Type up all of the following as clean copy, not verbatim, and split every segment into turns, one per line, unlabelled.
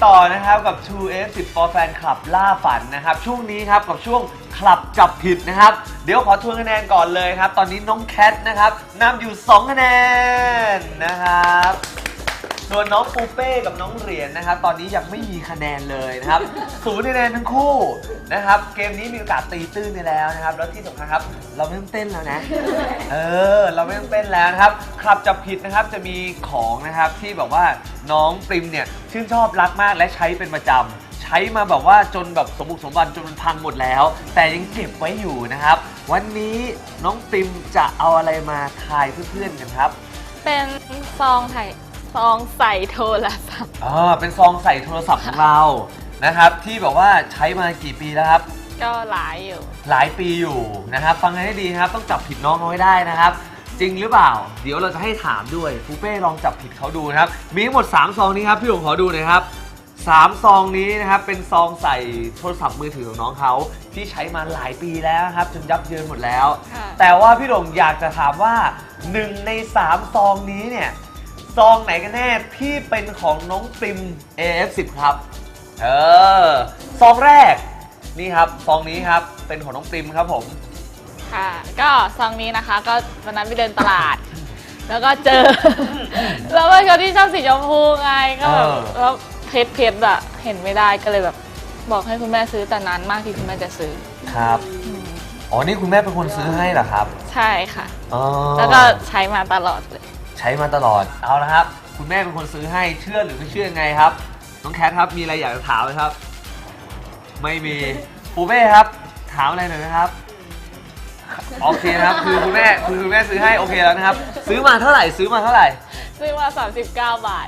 ต่อนะครับกับ 2F10 for Fan Club ล่าฝันนะครับช่วงนี้ครับกับช่วงคลับจับผิดนะครับเดี๋ยวขอทวนคะแนนก่อนเลยครับตอนนี้น้องแคทนะครับนำอยู่2คะแนนนะครับส่วนน้องปูเป้กับน้องเหรียญนะครับตอนนี้ยังไม่มีคะแนนเลยนะครับ0คะแนนทั้งคู่นะครับเกมนี้มีโอกาสตีตื้นไปแล้วนะครับแล้วที่สำคัญครับเราไม่ต้องเต้นแล้วนะเราไม่ต้องเต้นแล้วนะครับคลับจับผิดนะครับจะมีของนะครับที่แบบว่าน้องปริมเนี่ยชื่นชอบรักมากและใช้เป็นประจำใช้มาแบบว่าจนแบบสมบุกสมบันจนมันพังหมดแล้วแต่ยังเก็บไว้อยู่นะครับวันนี้น้องปริมจะเอาอะไรมาทายเพื่อนๆกันครับ
เป็นซองใส่โทรศัพท์
เป็นซองใส่โทรศัพท์ของเรานะครับที่แบบว่าใช้มากี่ปีแล้วครับ
ก็หลาย
ปีอยู่นะครับฟังให้ดีนะครับต้องจับผิดน้องเอาไว้ได้นะครับจริงหรือเปล่าเดี๋ยวเราจะให้ถามด้วยปูเป้ลองจับผิดเขาดูนะครับมีทั้งหมด3ซองนี้ครับพี่หลงขอดูหน่อยครับ3ซองนี้นะครับเป็นซองใส่โทรศัพท์มือถือของน้องเขาที่ใช้มาหลายปีแล้วครับจนยับเยินหมดแล้วแต่ว่าพี่หลงอยากจะถามว่า1ใน3ซองนี้เนี่ยซองไหนกันแน่ที่เป็นของน้องปริม AF10 ครับซองแรกนี่ครับซองนี้ครับเป็นของน้องปริมครับผม
ค่ะก็ซองนี้นะคะก็วันนั้นไปเดินตลาดแล้วก็เจอแล้วเป็นคนที่ชอบสีชมพูไงก็แบบแล้วเพชรอะเห็นไม่ได้ก็เลยแบบบอกให้คุณแม่ซื้อแต่นานมากที่คุณแม่จะซื้อ
ครับอ๋อนี่คุณแม่เป็นคนซื้อให้เหรอครับ
ใช่ค่ะแล้วก็ใช้มาตลอดเลย
ใช้มาตลอดเอาละครับคุณแม่เป็นคนซื้อให้เชื่อหรือไม่เชื่อยังไงครับน้องแคทครับมีอะไรอยากจะถามไหมครับไม่มีปูเป้ครับถามอะไรหน่อยนะครับโอเคนะครับคือคุณแม่ซื้อให้โอเคแล้วนะครับซื้อมาเท่าไหร่ซื้อมา
39 บาท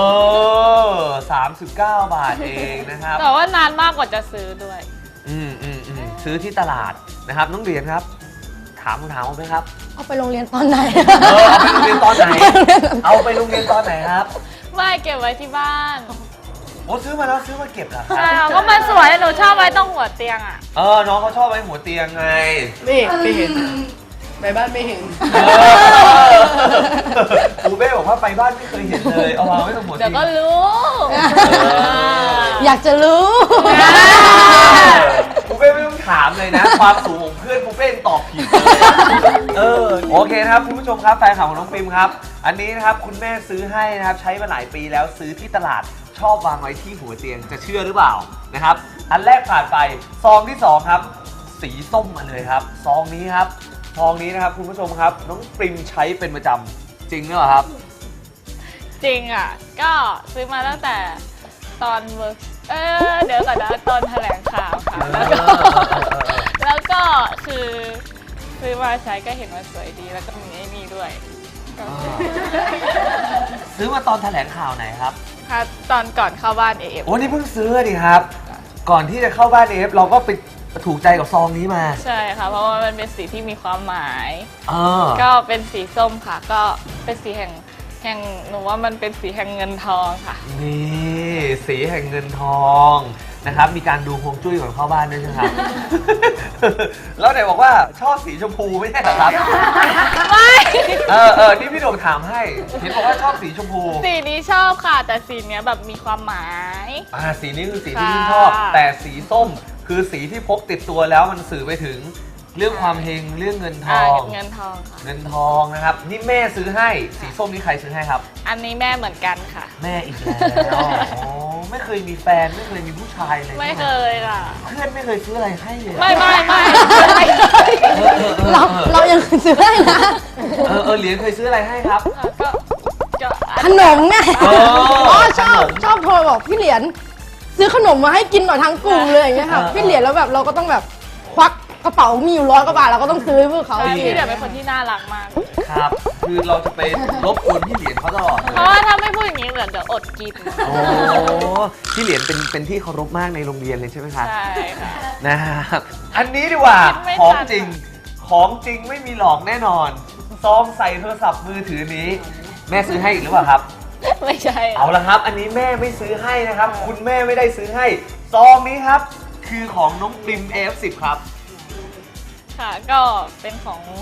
39 บาทเองนะครับ
แต่ว่านานมากกว่าจะซื้อด้วย
ซื้อที่ตลาดนะครับน้องเหรียญครับถามไหมครับ
เอาไปโรงเรียนตอนไหน
เอาไปโรงเรียนตอนไหนเอาไปโรงเรียนตอนไหนครับ
ไม่เก็บไว้ที่บ้าน
โอ้ซื้อมาแล้วซื้อมาเก็บเหรอครับ
ใช่ก็มันสวยหนูชอบไว้ตรงหัวเตียงอ่ะ
น้องเขาชอบไว้หัวเตียงไง
ไม่เห็นไปบ้านไม่เห็น
ปูเป้บอกว่าไปบ้านไม่เคยเห็นเลยเอาวางไว้ตรงหัวเตียง
เดี๋ยวก็รู้
อยากจะรู้
ปูเป้ไม่ต้องถามเลยนะความสูงของเพื่อนปูเป้ตอบผิดโอเคนะครับคุณผู้ชมครับแฟนข่าวของน้องปริมครับอันนี้นะครับคุณแม่ซื้อให้นะครับใช้มาหลายปีแล้วซื้อที่ตลาดชอบวางไว้ที่หัวเตียงจะเชื่อหรือเปล่านะครับอันแรกผ่านไปซองที่2ครับสีส้มมาเลยครับซองนี้ครับซองนี้นะครับคุณผู้ชมครับน้องปริมใช้เป็นประจำจริงหรือเปล่าครับ
จริงอ่ะก็ซื้อมาตั้งแต่ตอนเดี๋ยวก่อนนะตอนแถลงข่าวค่ะแล้วก็คือซื้อมาใช้ก็เห็นว่าสวยดีแล้วก็มีไอ้นี่ด้วย
ซื้อมาตอนแถลงข่าวไหนครับ
ค่ะตอนก่อนเข้าบ้าน AF
โอ้นี่เพิ่งซื้อดิครับก่อนที่จะเข้าบ้าน AF เราก็ไปถูกใจกับซองนี้มา
ใช่ค่ะเพราะว่ามันเป็นสีที่มีความหมายก็เป็นสีส้มค่ะก็เป็นสีแห่งหนูว่ามันเป็นสีแห่งเงินทองค่ะ
นี่สีแห่งเงินทองนะครับมีการดูฮวงจุ้ยก่อนเข้าบ้านด้วยใช่ไหมครับแล้วไหนบอกว่าชอบสีชมพูไม่ใช่เหรอครับ
ไม่
นี่พี่โด่งถามให้เห็นบอกว่าชอบสีชมพู
สีนี้ชอบค่ะแต่สีนี้แบบมีความหมาย
สีนี้คือสีที่พี่ชอบแต่สีส้มคือสีที่พกติดตัวแล้วมันสื่อไปถึงเรื่องความเฮงเรื่องเงินทอง
เงินทองค่ะ
เงินทองนะครับนี่แม่ซื้อให้สีส้มนี่ใครซื้อให้ครับ
อันนี้แม่เหมือนกันค่ะ
แม่อีกแล้วไม่เคยมีแฟนไม่เคยมีผู้ชายเลย
ไม่เคยค่ะ
เพื่อนไม่เคยซื้ออะไรให้เลย
ไม่
เรายังซื้อให้นะ
เหรียญเคยซื้ออะไรให้ครับ
ขนมไงชอบโทรบอกพี่เหรียญซื้อขนมมาให้กินหน่อยทั้งกลุ่มเลยอย่างเงี้ยค่ะพี่เหรียญแล้วแบบเราก็ต้องแบบควักกระเป๋ามีอยู่100 กว่าบาทเราก็ต้องซื้อให้พวกเขา
พี่เหรียญเป็นคนที่น่ารักมาก
ครับคือเราจะไปรบกวนพี่เหรียญเขาตลอด
เพราะว่าถ้าไม่พูดอย่างนี้เหรียญจะอดกิน
พี่เหรียญเป็นที่เคารพมากในโรงเรียนเลยใช่ไหมครับ
ใช่ค่ะ
นะครับอันนี้ดีกว่าของจริงไม่มีหลอกแน่นอนซองใส่โทรศัพท์มือถือนี้แม่ซื้อให้อีกหรือเปล่าครับ
ไม่ใช่
เอาละครับอันนี้แม่ไม่ซื้อให้นะครับคุณแม่ไม่ได้ซื้อให้ซองนี้ครับคือของน้องปริม AF10 ครับ
ค่ะก็เป็นของ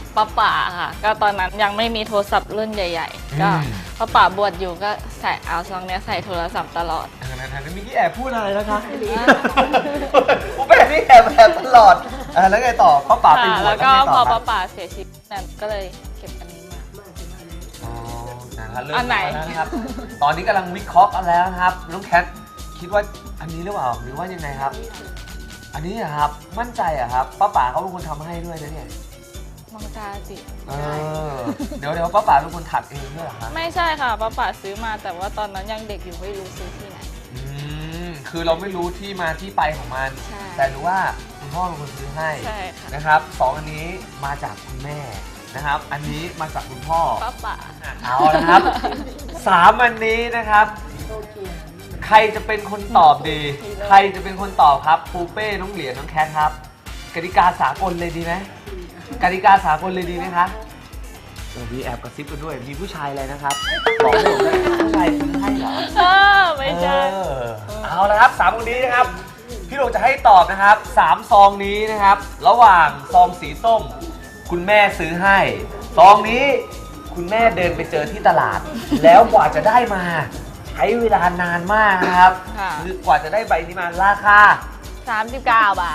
ป้าป่าค่ะ ก็ตอนนั้นยังไม่มีโทรศัพท์รุ่นใหญ่ ๆ ก็ป้าป่าบวชอยู่ก็ใส่เอาซองเนี้ยใส่โทรศัพท์ตลอด
เมื่อกี้แอบพูดอะไรนะคะกูเป็นนี่แอบตลอดแล้วไงต่อป้าป่าไปบวช
แล้วก็
ไง
พ
ต่
อ
ครั
ป้า
บ
ป่าเสียชีวิตนั่นก็เลยเก็บอันนี้มา
อ๋อนะครับเริ่ม
อันไหน
แล้วนะครับ ตอนนี้กำลังวิเคราะห์กันแล้วนะครับน้องแคทคิดว่าอันนี้หรือเปล่าหรือว่ายังไงครับ อันนี้อะครับมั่นใจอะครับป้าป๋าเขาเป็นคนทำให้ด้วยนะเนี่ย
น้องจาจิ
เดี๋ยวป้าป๋าเป็นคนถักเองด้วยเหรอครับ
ไม่ใช่ค่ะป้าป่าซื้อมาแต่ว่าตอนนั้นยังเด็กอยู่ไม่รู้ซื้อที่ไหน
คือเราไม่รู้ที่มาที่ไปของมัน
ใช่
แต่รู้ว่าคุณพ่อเป็นคนซื้อให้
ใช่ค่ะ
นะครับสองอันนี้มาจากคุณแม่นะครับ อันนี้มาจากคุณพ่อ
ป้าป่า
เอาละครับสามอันนี้นะครับ ใครจะเป็นคนตอบดี ใครจะเป็นคนตอบครับปูเป้น้องเหรียญน้องแคทครับกติกาสากลเลยดีไหมกติกาสากลเลยดีไหมคะมีแอบกระซิบกันด้วยมีผู้ชายอะไรนะครับบอกผมนะผู้ชายซื้อให้เหรอ
ไม่ใช่
เอาละครับสามคนนี้นะครับพี่โดงจะให้ตอบนะครับสามซองนี้นะครับ ระหว่างซองสีส้ม คุณแม่ซื้อให้ซองนี้คุณแม่เดินไปเจอที่ตลาด แล้วกว่าจะได้มาใช้เวลานานมากนะครับ
ค่ะ
คือกว่าจะได้ใบนี้มาราคา
39 บาท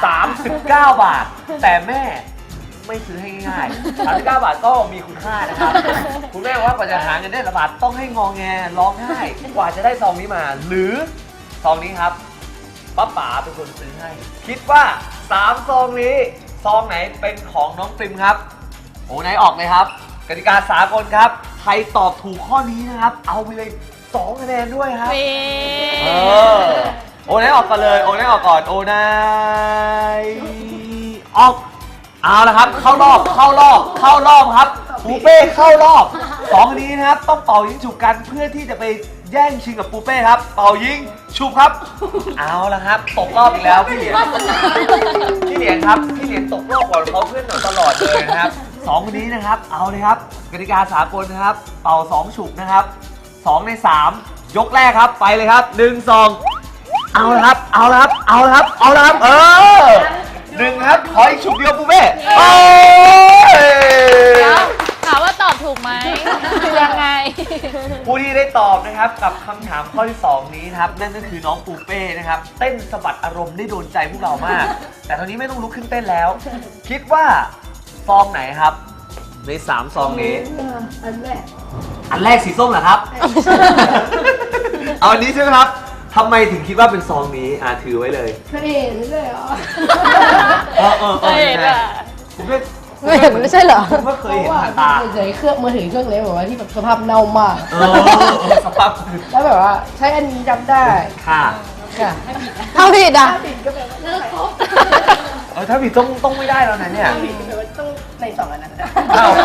39 บาท แต่แม่ไม่ซื้อให้ง่ายๆ39 บาทก็มีคุณค่านะครับ คุณแม่บอกว่ากว่าจะหาเงินได้ละบาทต้องให้งอแงร้องไห้กว่าจะได้ซองนี้มา หรือซองนี้ครับป้าป๋าเป็นคนซื้อให้ คิดว่า3ซองนี้ซองไหนเป็นของน้องปริมครับโอ้ไหนออกเลยครับกติกาสากลครับใครตอบถูกข้อนี้นะครับ เอาไปเลย2คะแนนด้วยครับ เออโอนายออกก่อนเลยโอนายออกก่อนโอนายออกเอาละครับเข้ารอบครับปูเป้เข้ารอบสองอันนี้นะครับต้องเป่ายิงฉุบกันเพื่อที่จะไปแย่งชิงกับปูเป้ครับเป่ายิงฉุบครับเอาละครับตกรอบอีกแล้วพี่เหรียญครับพี่เหรียญตกรอบก่อนเขาเพื่อนหน่อยตลอดเลยนะครับสองคนนี้นะครับเอาเลยครับกติกาสากลนะครับเป่า2ฉุบนะครับ2ใน3ยกแรกครับไปเลยครับ1 2เอาละครับเอาละครับหนึ่งครับขออีกฉุบเดียวปูเป้โอ้ย
ถามว่าตอบถูกไหมยังไง
ผู้ที่ได้ตอบนะครับกับคำถามข้อที่ 2 นี้นะครับนั่นก็คือน้องปูเป้นะครับเต้นสะบัดอารมณ์ได้โดนใจพวกเรามาก แต่ตอนนี้ไม่ต้องลุกขึ้นเต้นแล้ว คิดว่าซองไหนครับใน3ซองนี้อันแรกสีส้มเหรอครับ เอาอันนี้ใช่ไหมครับทำไมถึงคิดว่าเป็นซองนี้ถือไว้เลย
เคยเห็นเลยเหรอ
เคยเห็นอะ
ผมไม่
ไม่เห็นไม่ใช่เหรอ
ผมก็เคยเห็นผ่านตา
เฉยๆเครื่องมือถือเครื่องเล็กแบบว่าที่แบบสภาพเน่ามาก
สภาพ
แล้วแบบว่าใช้อันนี้จำได้
ค่ะ
ค่ะถ้าผิดอ่ะ
ถ้าผิดต้องไม่ได้แล้วนะเนี่ย
ต้องใน2อันนั้น
อ้าว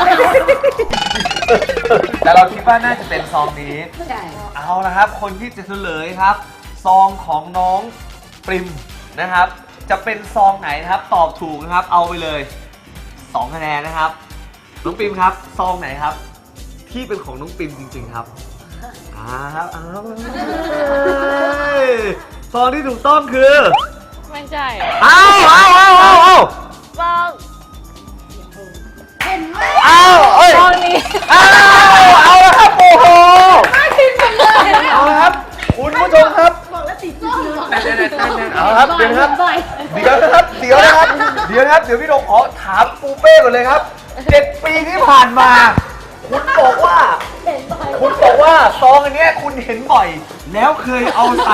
แต่เราคิดว่าน่าจะเป็นซองนี้
ใช่
เอาละครับ คนที่จะเฉลยครับ ซองของน้องปริมนะครับ จะเป็นซองไหนนะครับ ตอบถูกนะครับ เอาไปเลย2คะแนนนะครับ น้องปริมครับ ซองไหนครับ ที่เป็นของน้องปริมจริงๆครับครับซองที่ถูกต้องคือ
ไม่ใช่
เอา
ซอง
เอ้ย
ซองนี้
เอาละครับโอ้โหเอาละครับคุณผู้ชมครับบอกแล้วติดจ้องเอาละครับเดี๋ยวนะครับเดี๋ยวพี่โดงขอถามปูเป้ก่อนเลยครับ7 ปีที่ผ่านมา คุณบอกว่าซองอันเนี้ยคุณเห็นบ่อย แล้วเคยเอาใส่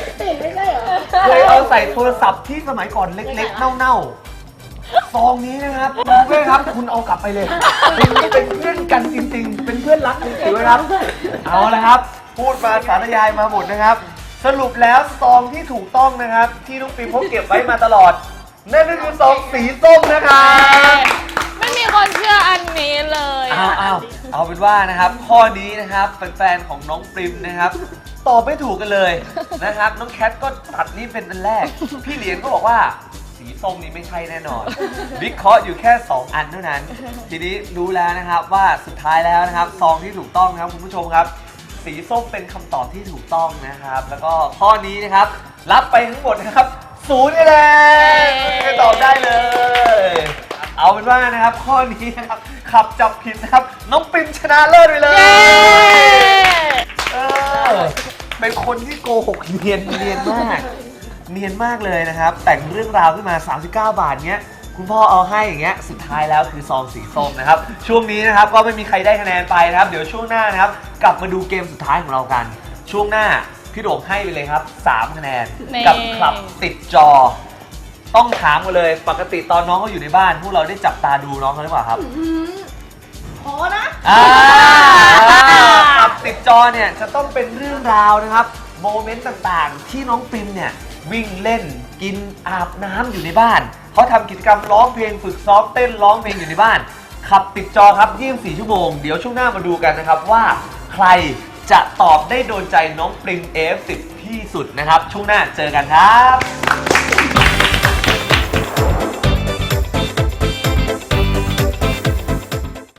โทรศัพท์ที่สมัยก่อนเล็กๆเน่าๆซองนี้นะครับปูเป้ครับคุณเอากลับไปเลยคุณเป็นเพื่อนกันจริงๆเป็นเพื่อนรักจริงๆนะครับ เอาละครับ พูดมาสาธยายมาหมดนะครับ สรุปแล้วซองที่ถูกต้องนะครับ ที่น้องปีพกเก็บไว้มาตลอด นั่นก็คือซองสีส้มนะครับ
ไม่มีคนเชื่ออันนี้เลย
เอาเป็นว่านะครับข้อนี้นะครับแฟนๆของน้องปริมนะครับตอบไม่ถูกกันเลยนะครับ น้องแคทก็ตัดนี่เป็นอันแรก พี่เหรียญก็บอกว่าสีส้มนี้ไม่ใช่แน่นอนวิเคราะห์อยู่แค่ 2 อันเท่านั้น ทีนี้รู้แล้วนะครับว่าสุดท้ายแล้วนะครับซองที่ถูกต้องนะครับคุณผู้ชมครับ สีส้มเป็นคำตอบที่ถูกต้องนะครับ แล้วก็ข้อนี้นะครับรับไปทั้งหมดนะครับ0คะแนนตอบได้เลย เอาเป็นว่านะครับข้อนี้นะครับขับจับผิดนะครับน้องปิมชนะเลิศไปเลย
เย้
เออเป็นคนที่โกหกเนียนมากเนียนมากเลยนะครับแต่งเรื่องราวขึ้นมา39 บาทเงี้ยคุณพ่อเอาให้อย่างเงี้ยสุดท้ายแล้วคือซองสีส้มนะครับช่วงนี้นะครับก็ไม่มีใครได้คะแนนไปนะครับเดี๋ยวช่วงหน้านะครับกลับมาดูเกมสุดท้ายของเรากันช่วงหน้าพี่โด่งให้ไปเลยครับ3คะแนน
นี่
กับคลับติดจอ ต้องถามกันเลยปกติตอนน้องเขาอยู่ในบ้านพวกเราได้จับตาดูน้องเขาหรือเปล่าครับ
ขอนะ
คลับติดจอเนี่ยจะต้องเป็นเรื่องราวนะครับโมเมนต์ต่างๆ ที่น้องปิมเนี่ยวิ่งเล่นกินอาบน้ำอยู่ในบ้านเขาทำกิจกรรมร้องเพลงฝึกซ้อมเต้นร้องเพลงอยู่ในบ้านขับติดจอครับ24 ชั่วโมงเดี๋ยวช่วงหน้ามาดูกันนะครับว่าใครจะตอบได้โดนใจน้องปริม F10 ที่สุดนะครับช่วงหน้าเจอกันครับ